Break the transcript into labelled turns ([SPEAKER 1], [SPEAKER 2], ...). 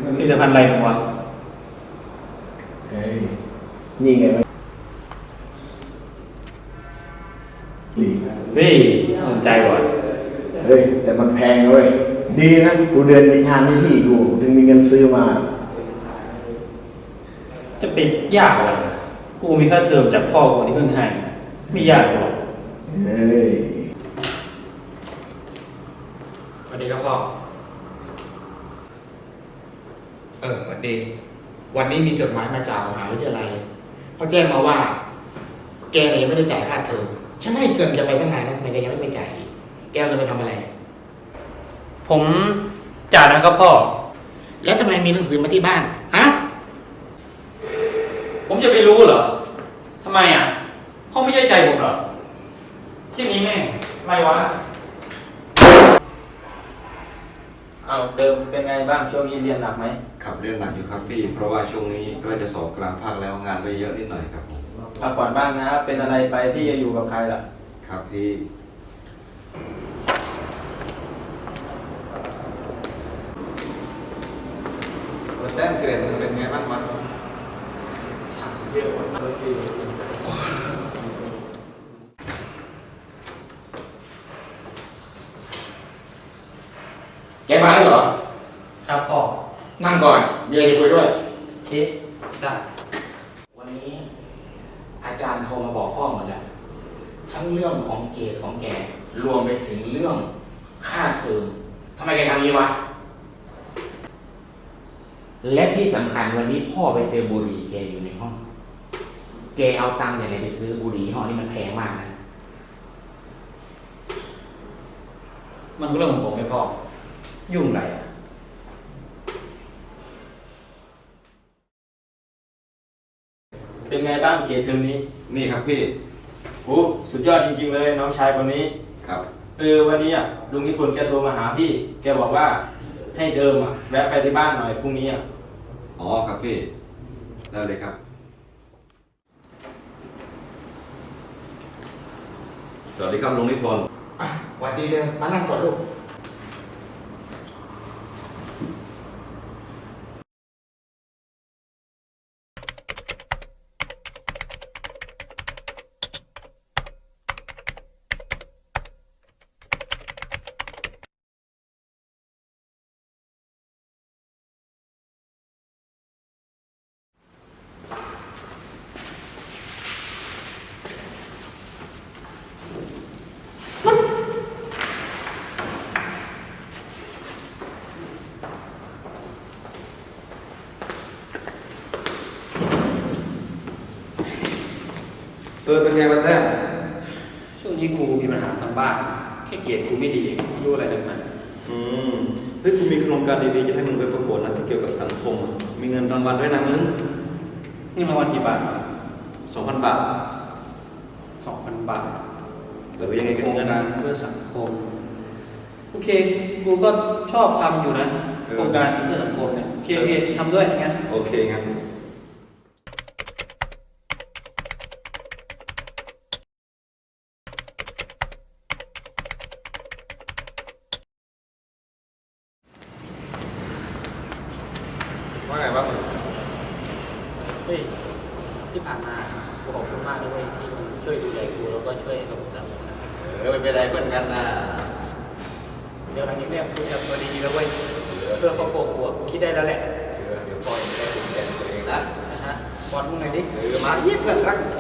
[SPEAKER 1] ผลิตภัณฑ์อะไรมึงวะ
[SPEAKER 2] เฮ้ยนี่ไงมัน
[SPEAKER 1] เฮ้ยสนใจว่ะ
[SPEAKER 2] เฮ้ยแต่มันแพงเว้ยดีนะกูเดินงานที่พี่กูถึงมีเงินซื้อมา
[SPEAKER 1] จะเป็นยากอะไรกูมีค่าเทอมจากพ่อกูที่เพิ่งให้ไม่ยากหรอก
[SPEAKER 2] เฮ้ย
[SPEAKER 1] สวัสดีครับพ่อ
[SPEAKER 3] สวัสดีวันนี้มีจดหมายมาจากมหาวิทยาลัยเขาแจ้งมาว่าแกเนี่ยยังไม่ได้จ่ายค่าเทอมฉันให้เกินแกไปตั้งนานแล้วทำไมแกยังไม่ไปจ่ายแกเอาเงินไปทำอะไร
[SPEAKER 1] ผมจ่ายนะครับพ่อ
[SPEAKER 3] แล้วทำไมมีหนังสือมาที่บ้านฮะ
[SPEAKER 1] ผมจะไปรู้เหรอทำไมอ่ะพ่อไม่ใช่ใจผมเหรอที่นี้แม่งไม่วะ
[SPEAKER 4] เอาเดิมเป็นไงบ้างช่วงนี้เรียนหนักไหม
[SPEAKER 5] ครับเรียนหนักอยู่ครับพี่เพราะว่าช่วงนี้ก็จะสอบกลางภาคแล้วงานก็เยอะนิดหน่อยครับผม
[SPEAKER 4] พักผ่อนบ้างนะเป็นอะไรไปที่จะอยู่กับใครล่ะ
[SPEAKER 5] ครับพี่แต้มเกรดมันเป็นไงบ้างวะ
[SPEAKER 3] แกมาแล้วเหรอ
[SPEAKER 1] ครับพ่อ
[SPEAKER 3] นั่งก่อนมีอะไรจะคุยด้วย
[SPEAKER 1] เคได้
[SPEAKER 3] วันนี้อาจารย์โทรมาบอกพ่อหมดแล้วทั้งเรื่องของเกรดของแกรวมไปถึงเรื่องค่าเทอมทำไมแกทำนี้วะและที่สำคัญวันนี้พ่อไปเจอบุหรี่แกอยู่ในห้องแกเอาตังค์อะไรไปซื้อบุหรี่ห้องนี้มันแพงมากนะ
[SPEAKER 1] มันก็เรื่องของผมไม่พ่อยุ่งไรอ่ะ
[SPEAKER 4] เป็นไงบ้างเกรดเทอมนี้
[SPEAKER 5] นี่ครับพี่
[SPEAKER 4] โอ้สุดยอดจริงๆเลยน้องชายคนนี้
[SPEAKER 5] ครับ
[SPEAKER 4] วันนี้ลุงนิพนธ์แกโทรมาหาพี่แกบอกว่าให้เดิมแวะไปที่บ้านหน่อยพรุ่งนี้
[SPEAKER 5] อ๋อครับพี่ได้เลยครับสวัสดีครับลุงนิพนธ์
[SPEAKER 3] สวัสดีเดิมมานั่งก่อนลูก
[SPEAKER 5] เป็นไงบ้างแต้ม
[SPEAKER 1] ช่วงนี้กูมีปัญหาทางบ้านแค่เกรดกูไม่ดีไม่รู้อะไรทั้งนั้น
[SPEAKER 5] เฮ้ยกูมีโครงการดีๆจะให้มึงไปประกวดนะที่เกี่ยวกับสังคมมีเงินรางวัลด้วยนะมึง
[SPEAKER 1] นี่รางวัลกี่บาท
[SPEAKER 5] 2,000 บาท
[SPEAKER 1] 2,000 บาท
[SPEAKER 5] หรือยังไงกันเงิน
[SPEAKER 1] เพื่อสังคมโอเคกูก็ชอบทำอยู่นะโครงการเพื่อสังคมเนี่ยโอเคทำด้วยงั้น
[SPEAKER 5] โอเคงั้นว่าไงบ้าง
[SPEAKER 1] เฮ้ยที่ผ่านมากูขอบคุณมากเลยที่มึงช่วยดูแลกูแล้วก็ช่วยกับกูสังคม
[SPEAKER 5] ไม่เป็นไรเพื่อนกันนะ
[SPEAKER 1] เดี๋ยวหลังนี้เนี่ยกูจะตัวดีแล้วเว้ยเพื่อครอบครัวกูคิดได้แล้วแหละ
[SPEAKER 5] เดี๋ยวปล่อยได้ดูแลตัวเองนะ
[SPEAKER 1] บอลมึงไงดิ
[SPEAKER 5] มาเยี่ยมเพื่อนรัก